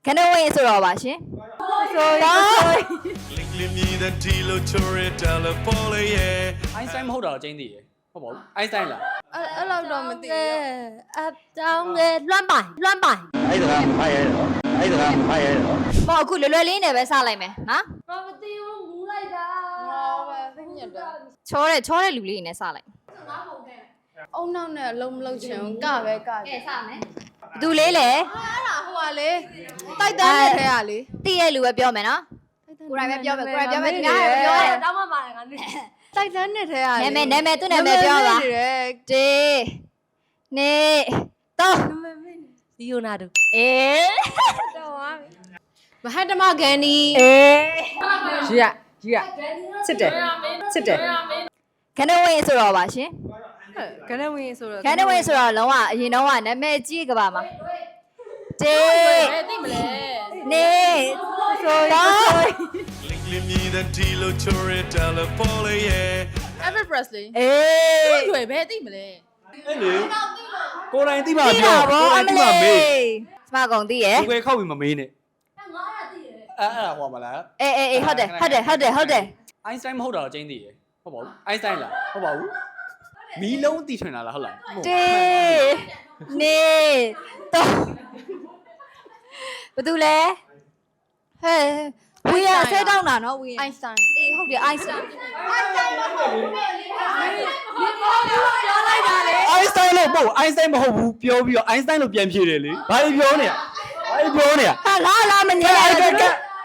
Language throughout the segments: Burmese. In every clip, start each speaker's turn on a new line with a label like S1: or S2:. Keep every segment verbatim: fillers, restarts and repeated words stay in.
S1: ခဏဝင်ဆိုတော့ပါရှင်ဆိုတော့
S2: အိုင်းစတိုင်းမဟုတ်တာတော့ကျင်းသေးရဟုတ်ပါဘူးအိုင်းစတိုင်းလား
S3: အဲ့အဲ့လောက်တော့မသိဘူး
S1: အတောင်းလေလွမ်းပိုင်လွမ်းပိုင်
S4: အဲ့ဒါကမဖတ်ရဲတော့အဲ့ဒါကမဖတ်ရဲတော့
S1: ဟောအခုလွယ်လွယ်လေးနဲ့ပဲစလိုက်မယ်နော်
S3: ဘာမသိဘူးမူးလိုက်တာငါပဲသိညက်တာ
S1: ချောတဲ့ချောတဲ့လူလေးနဲ့စလိုက်
S3: အုံနောက်နဲ့အလုံးမလုံးချင်ဘူးကပဲက
S1: ကဲစမယ်ဘသူလေးလေ
S3: အဲ့ဒါဟိုကလေတိုက်တန်းနဲ့ထဲကလေ
S1: တည့်ရဲ့လူပဲပြောမယ်နော်ကိုရိုင်းပဲပြောမယ်ကိုရိုင်းပြောမယ်ဒီကပြောတယ်
S3: တောင်းမှပါတယ်ငါနေတိုက်တန်းနဲ့ထဲကလေ
S1: နာမည်နာမည်သူ့နာမည်ပြောပါတေးနေတော့
S3: ဒီယိုနာဒူ
S1: အေး
S3: တော်ပါပြီမဟတ်တမဂန်ဒီ
S1: အေး
S5: ကြီးရကြီးရစစ်တယ်စစ်တယ်
S1: ခဏဝင်ဆိုတော့ပါရှင်
S3: ခဏဝင်ဆိုတော့
S1: ခဏဝင်ဆိုတော့လုံးဝအရင်တော့ကနာမည်ကြီးကပါမှာတေးသိမလဲနေဆိုတော့
S3: Elvis Presley
S1: အေး
S3: ရွယ်ပဲသိမလဲ
S2: အဲ့လေကိုယ်တိုင်တိမ
S1: သိ
S2: ပြော
S1: တာဗော
S2: ကိုယ်
S1: အ
S2: တိုင်
S1: မ
S2: တိမ
S1: လေး
S2: မေး
S1: စမကုန်သိရယ်
S2: ကိုယ်ခောက်ပြီးမမေးနဲ့အဲ့အဲ့ဒါဟောမလား
S1: အေးအေးအေးဟုတ်တယ်ဟုတ်တယ်ဟုတ်တယ်ဟုတ်တယ်
S2: အိုင်းစတိုင်းမဟုတ်တာတော့ကျင်းသေးရဟုတ်ပါဘူးအိုင်းစတိုင်းလားဟုတ်ပါဘူးမီးလုံးတီထွင်လာလားဟုတ်လား
S1: တေးနေတော့ဘာတူလဲဟဲ့ဝီရဆဲတောင်းတာနော်ဝီရ
S3: Einstein
S1: အေးဟုတ်တယ်အိုင်စတန်
S2: အိုင်းစတိုင်းလို့မဟုတ်အိုင်းစတိုင်းမဟုတ်ဘူးပြောပြီးတော့အိုင်းစတိုင်းလို့ပြန်ဖြေတယ်လေဘာလို့ပြောနေရဘာလို့ပြောနေရ
S1: ဟာလာလာမငြိုင်ဘူး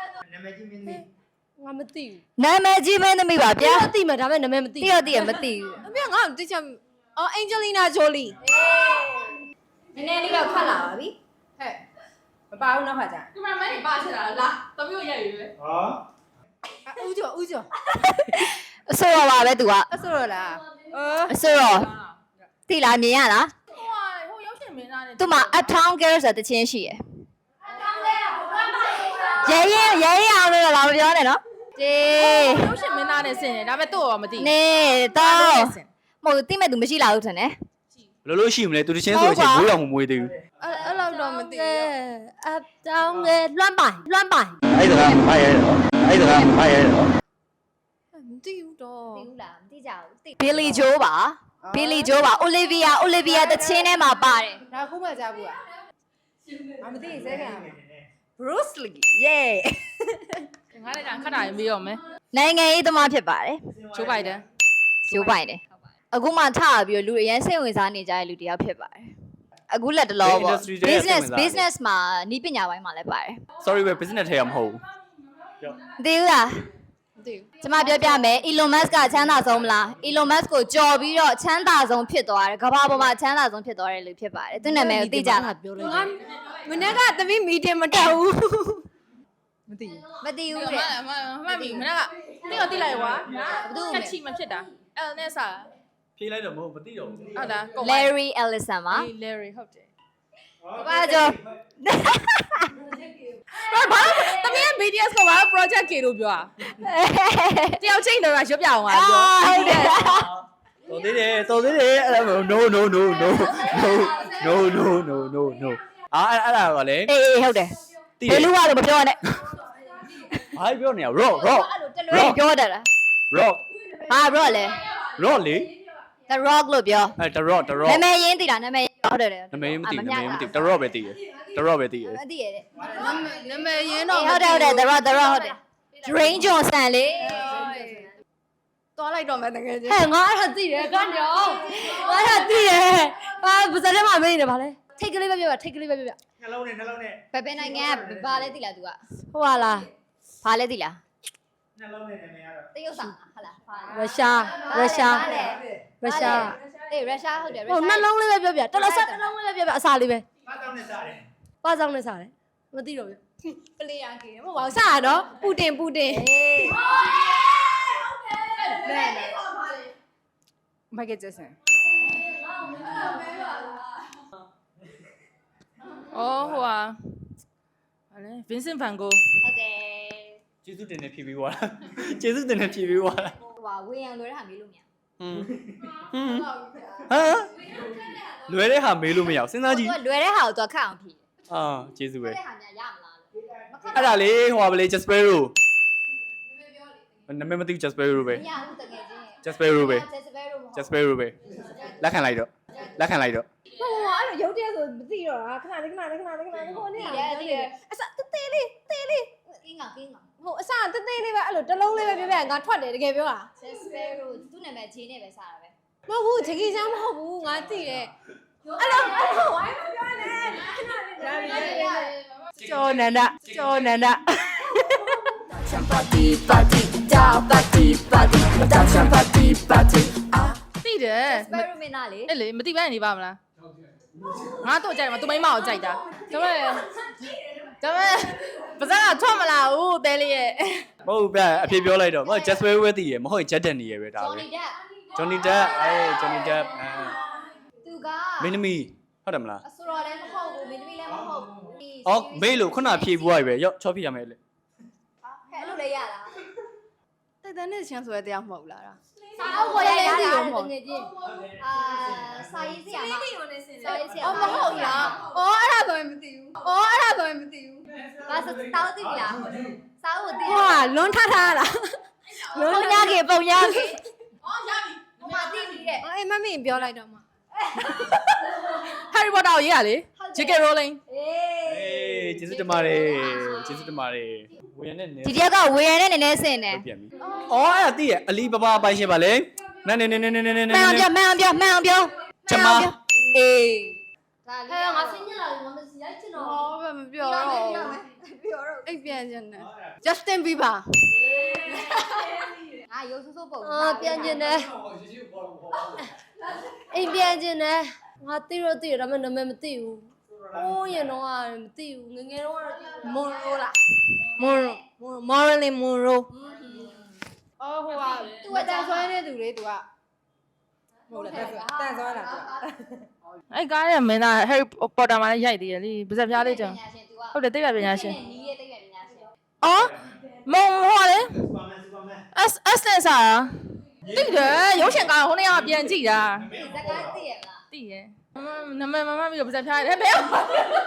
S3: ငါမသိဘူး
S1: နာမည်ကြီးမင်းသမီးပါဗျာ
S3: ပြသိမှာဒါပေမဲ့နာမည်မသိ
S1: တိရတိရမသိဘူး
S3: အမေငါတိချင်အော် Angelina Jolie
S1: နည်းနည်းလေးတော့ခတ်လာပါပြီ
S5: ဟဲ့မပါဘူးနောက်ခါကျ
S3: ကင်မရာမန်ကြီးပါချင်တာလားတမျိုးရိုက်ရွယ်
S4: ဟာ
S3: ဦးကျော်ဦးကျော်
S1: အဆိုတော်ပါပဲသူက
S5: အဆိုတော့လားအော်
S1: အဆိုတော်တိလားမြင်ရလား
S3: ဟိုဟိုရောက်ရှင်မင်းသားနဲ့
S1: သူ့မှာ Uptown Girls ဆိုတဲ့တခြင်းရှိရယ်ရဲရဲရဲရဲအောင်လို့လာမပြောနဲ့နော်တေး
S3: ရောက်ရှင်မင်းသားနဲ့ဆင်တယ်ဒါပေမဲ့သူ့ရောမသိ
S1: နေတော့မဟုတ်တိမဲ့သူမရှိလာဘူးထင်တယ်
S2: ဘယ်လိုလို့ရှိမလဲသူတချင်းဆိုချင်းမွေးတော်မမွေးသေးဘူး
S3: အဲ့အဲ့လောက်တော့မသိဘူး
S1: Uptown လေလွမ်းပိုင်လွမ်းပိုင်
S4: အဲ့ဒါကမဖတ်ရဲတော့အဲ့ဒါကမဖတ်ရဲတော့
S3: မသိဘူးတော့
S1: သိဘူးလားမသိကြဘူး Billy Joe ပါ Billy Joe ပါ Olivia Olivia တချင်းထဲမှာပါတယ်
S5: ဒါခုမှကြားဘူးอ่ะမမသိရင်စဲခံရမှာ Bruce Lee yeah
S3: ငါလည်းကခတ်တာရင်မေးရောမယ်
S1: နိုင်ငံရေးသမားဖြစ်ပါတယ်
S3: ချိုးပိုက်တယ်
S1: ကျိုးပိုင်တယ်အခုမှထပြီးတော့လူအရင်စိတ်ဝင်စားနေကြတဲ့လူတစ်ယောက်ဖြစ်ပါတယ်အခုလက်တလောပေါ့ business business မှာနီးပညာပိုင်းမှာလည်းပါတယ်
S2: sorry ပဲ business ထဲရမဟုတ်ဘူး
S1: မသိဘူးလား
S3: မသိဘူး
S1: ကျွန်မပြောပြမယ် Elon Musk ကချမ်းသာဆုံးမလား Elon Musk ကိုကြော်ပြီးတော့ချမ်းသာဆုံးဖြစ်သွားတယ်ကမ္ဘာပေါ်မှာချမ်းသာဆုံးဖြစ်သွားတဲ့လူဖြစ်ပါတယ်သူ့နာမည်ကိုသိကြလား
S3: ပြောလိုက်ငါမနေ့ကသမီးမီတင်မတက်ဘူး
S5: မသိဘူး
S1: မသိဘူး
S3: မ
S1: တဲ့
S3: မမမမီမနေ့ကတိတော့တိလိုက်ကွာကချီမဖြစ်တာအဲ့နဲ့စား
S2: ဖြေးလိုက်တော့မဟုတ်မသိတော့ဘူး
S3: ဟုတ်လား
S1: Larry Ellison ပါ
S3: Larry ဟုတ်တယ်
S1: ဘာကြော
S3: ဘာဘာသမီးက B T S ကိုဘာ project K လို့ပြောอ่ะတယောက်ချင်းတော့ရွတ်ပြအောင်ပါပြော
S1: ဟုတ်တယ်
S2: တော်သေးတယ်တော်သေးတယ်အဲ့ဒါ no no no no no no no no no အာအဲ့အဲ့ဒါကလည်း
S1: အေးအေးဟုတ်တယ်
S2: တိ
S1: ဘယ်လူကလို့မပြောနဲ့
S2: ဘာပြောနေရ rock rock
S1: အဲ့လိုတလွဲပြောတတ်လား
S2: rock
S1: ဘာ rock လဲ
S2: rock လေ
S1: The Rock လို့ပြော
S2: အဲ့ the rock the rock
S1: နာမည်ရင်းသိလားနာမည်ဟုတ်တယ်
S2: နာမည်မသိဘူးနာမည်မသိဘူး the rock ပဲသိတယ် the rock ပဲသိတယ်
S1: မသိရတဲ့
S3: နာမည်ရင်း
S1: ဟု
S3: တော့
S1: တ်တယ်ဟုတ်တယ် The Rock The Rock ဟုတ်တယ် Dwayne Johnson လေ
S3: သွားလိုက်တော့မယ်တကယ်ချင်း
S1: ဟဲ့ငါအဲ့ဒါသိတယ်ကန်ကြောငါအဲ့ဒါသိတယ်ဘာပါစတဲ့မှာမင်းနေပါလဲထိတ်ကလေးပဲပြောပါထိတ်ကလေးပဲပြောပါ
S4: နှလုံးနဲ့နှလုံးနဲ့
S1: ဘယ်ဘယ်နိုင်ငံကဘာလဲသိလား तू က
S3: ဟုတ်ပါလား
S1: ဘာလဲသိလား
S4: နှလုံးနဲ့နာမည်ကတော့
S1: တရုတ်ဆောင်ဟုတ်လား
S3: ရုရှားရုရှားရုရှား
S1: အေးရုရှားဟုတ်တယ်ရု
S3: ဟို
S1: ရှား
S3: နှလုံးလေးပဲပြောပြတော်တော်ဆက်နှလုံးလေးပဲပြောပြအစာလေးပဲ
S4: ဘာတောင်းနဲ့စားတယ်
S3: ပါဆောင်နဲ့စားတယ်မသိတော့ဘူးပလေယာကေမဟုတ်ပါဘူးစားရတော့ပူတင်ပူတင်
S1: အေး
S5: Michael Jackson
S3: အော်ဟိုဟာဟာလေ Vincent van Gogh
S1: ဟုတ်တယ်
S2: ကျေးဇူးတင်နေဖြေပြီးသွားတာကျေးဇူးတင်နေဖြေပြီးသွားတာ
S1: ဟိုဟာဝေယံလွယ်တဲ့ဟာမေးလို့မရ
S2: ဟွန်းဟွန်းလွယ်တဲ့ဟာမေးလို့မရအောင်စဉ်းစားကြည့်
S1: သူကလွယ်တဲ့ဟာကိုသူကခက်အောင်ဖြေ
S2: အာကျေးဇူးပဲ
S1: တဲ့ဟာညာရမလားလို့
S2: အဲ့ဒါလေဟိုပါလေ Jaspero နာမည်မသိဘူး Jaspero ပဲ
S1: မရဘူးတကယ်ချင်း
S2: Jaspero ပဲ
S1: Jaspero မဟုတ်
S2: Jaspero ပဲလက်ခံလိုက်တော့လက်ခံလိုက်တော့
S5: ဟိုအဲ့လိုရုပ်တရက်ဆိုမသိတော့တာခဏလေးခဏလေးခဏလေးခဏလေးဟိုနေ့ကအစတေးသေးလေးတေးလေး
S1: ကင်းကကင်းက
S5: ဟိုအစတေးသေးလေးပဲအဲ့လိုတစ်လုံးလေးပဲပြပြငါထွက်တယ်တကယ်ပြောတာ
S1: Jaspero သူ့နာမည်ဂျင်းနဲ့ပဲစားတာပဲ
S5: မဟုတ်ဘူးချီကြီးချမ်းမဟုတ်ဘူးငါသိတယ်အဲ့လိုအဲ့လိုဝိုင်းမပြောနဲ့ကျော်နန္ဒကျော်နန္ဒ
S3: party party da party party da party party သိတယ်
S1: Jaspero မင်းသားလေ
S3: အဲ့လေမသိဘဲနေပါမလားငါတော့ကြိုက်တယ်မသူမိမကိုကြိုက်တာဒါပေမဲ့ဒါပေမဲ့ပါဇက်ကထွက်မလာဘူးတဲလေးရဲ့
S2: မဟုတ်ဗျအဖြစ်ပြောလိုက်တော့မဟုတ် Jaspero ပဲသိရမဟုတ် Jet Danny ရပဲဒါပဲ
S1: Johnny Depp
S2: Johnny Depp အဲ Johnny Depp အဲ
S1: သူက
S2: မင်းသမီးဟုတ်တယ်မလား
S1: အဆိုတော်လည်းမဟုတ်ဘူးမင်းသမီးလည်းမဟုတ်ဘူး
S2: အော်မေးလို့ခုနဖြေပွားပြီပဲရော့ချောဖြေရမယ်လေ
S1: ဟဲ့အဲ့လိုလည်းရတာ
S3: တိုက်တန်းနဲ့ချမ်းဆိုရတရားမဟုတ်လား
S1: အောက်ပေါ်ရရတာတကယ်ချင်းအာစာရေးဆရာမစာရေးဆရာ
S5: အော်မဟုတ်လားအော်အဲ့ဒါဆိုရင်မသိဘူးအော်အဲ့ဒါဆိုရင်မသိဘူး
S1: ဘာစတောက်သိပြီလားစာအုပ်သိ
S5: ဟိုကလွန်ထထားလား
S1: ပုံညာကေပုံညာကေ
S3: အော်ရပြီ
S1: ဟိုမှာသိပြီတဲ့
S5: အေးမမင်းပြောလိုက်တော့မှ
S3: Harry Potter ကိုရေးရလေ J K Rowling
S1: အေး
S2: အေးကျေးဇူးတင်ပါတယ်ကျေးဇူးတင်ပါတယ်ဝေရနဲ့နေ
S1: ဒီတယောက်ကဝေရနဲ့နည်းနည်းဆင်တယ်
S2: ပြန်ပြီအော်အဲ့ဒါသိရအလီဘဘာပိုင်ရှင်ပါလေနဲနဲနဲနဲနဲနဲနဲ
S1: မှန်အောင်ပြောမှန်အောင်ပြောမှန်အောင်ပြော
S2: ကျမ
S1: အေးဒါလေးဟဲ့ငါစင်းညလာငါမစီရိုက်ချင်တော့
S5: ဟောမပြောတော့
S1: ပြောတော့
S5: အိတ်ပြန်ခြင်းနဲ့ Justin Bieber
S1: ငါရုပ်ဆိုးဆိုးပုံ
S5: အာပြန်ခြင်းနဲ့အိတ်ပြန်ခြင်းနဲ့ငါသိတော့သိရဒါပေမဲ့နာမည်မသိဘူးအိုးရင်တော့မသိဘူးငငယ်တော့မွန်ရိုလားမွန်မော်ရလင်မွန်ရိုအော်ဟိုကသူကတန်ဆွဲနေသူလေသူကဟုတ်လားတန်ဆွဲတာသူက
S3: အဲ့ကားရဲ့မင်းသား Harry Potter မှာလည်းရိုက်သေးတယ်လေပါဇက်ပြားလေးကြောင့်ဟုတ်တယ်သိပ္ပံပညာရှင်
S1: နီးရဲ့သိပ္ပံပညာရှင်
S3: အော်မုံဟောလေ
S4: Superman Superman
S3: S S နဲ့စားတာသိတယ်ရုပ်ရှင်ကားဟိုနေ့ကပြန်ကြည့်တာ
S1: ဒီဇာတ်ကားသိရလား
S3: သိရယ်နမမမပြီးတော့ပါဇက်ပြားတယ်ဘယ်မ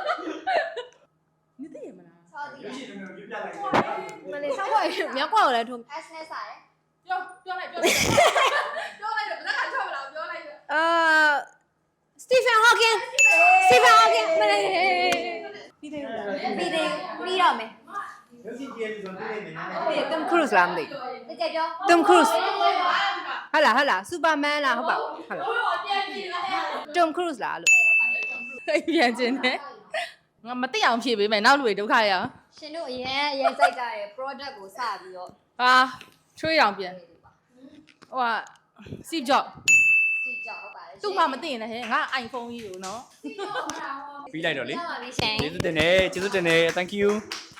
S3: သိရမလား
S1: ဆောက်သိရ
S4: ရှင်တို့ပြပြလိုက်
S5: မလေးဆောက်ွက်မြောက်ကွက်ကိုလည်းထုံး
S1: S နဲ့စားတယ်
S3: ပြောပြောလိုက်ပြောလိုက်ပြောလိုက်တော့လက်ကထွက်မလားပြောလိုက်
S5: အာ Stephen Hawking Stephen Hawking မလေး
S1: ပြီးတယ်ပြီးတော့မယ်
S4: ရုပ်ရှင်ကြည့်ရပြီးတော့တွေ့နေတယ်
S5: ဒီ Tom Cruise လားမသိ
S1: တကယ်ပြော
S5: Tom Cruise ဟာလားဟာလား Superman လားဟုတ်ပါဟာလား Tom Cruise လားလို့
S3: ပြန်ခြင်းနဲ့ငါမသိအောင်ဖြေပေးမယ်နောက်လူတွေဒုက္ခရအောင်
S1: ရှင်တို့အရင်အရင်စိုက်ကြတဲ့ product ကိုစပြီးတော့
S3: ဟာချွေးအောင်ပြန်ဟိုက Steve Jobs
S1: ကြည့်ကြဟုတ်ပါတယ်
S3: သူ့မှမသိရင်လည်းဟဲ့ငါ iPhone ကြီးကိုနော်
S2: ပြီးလိုက်တော့လေ
S1: ရပါပြီရှင်
S2: ကျေးဇူးတင်တယ်ကျေးဇူးတင်တယ် thank you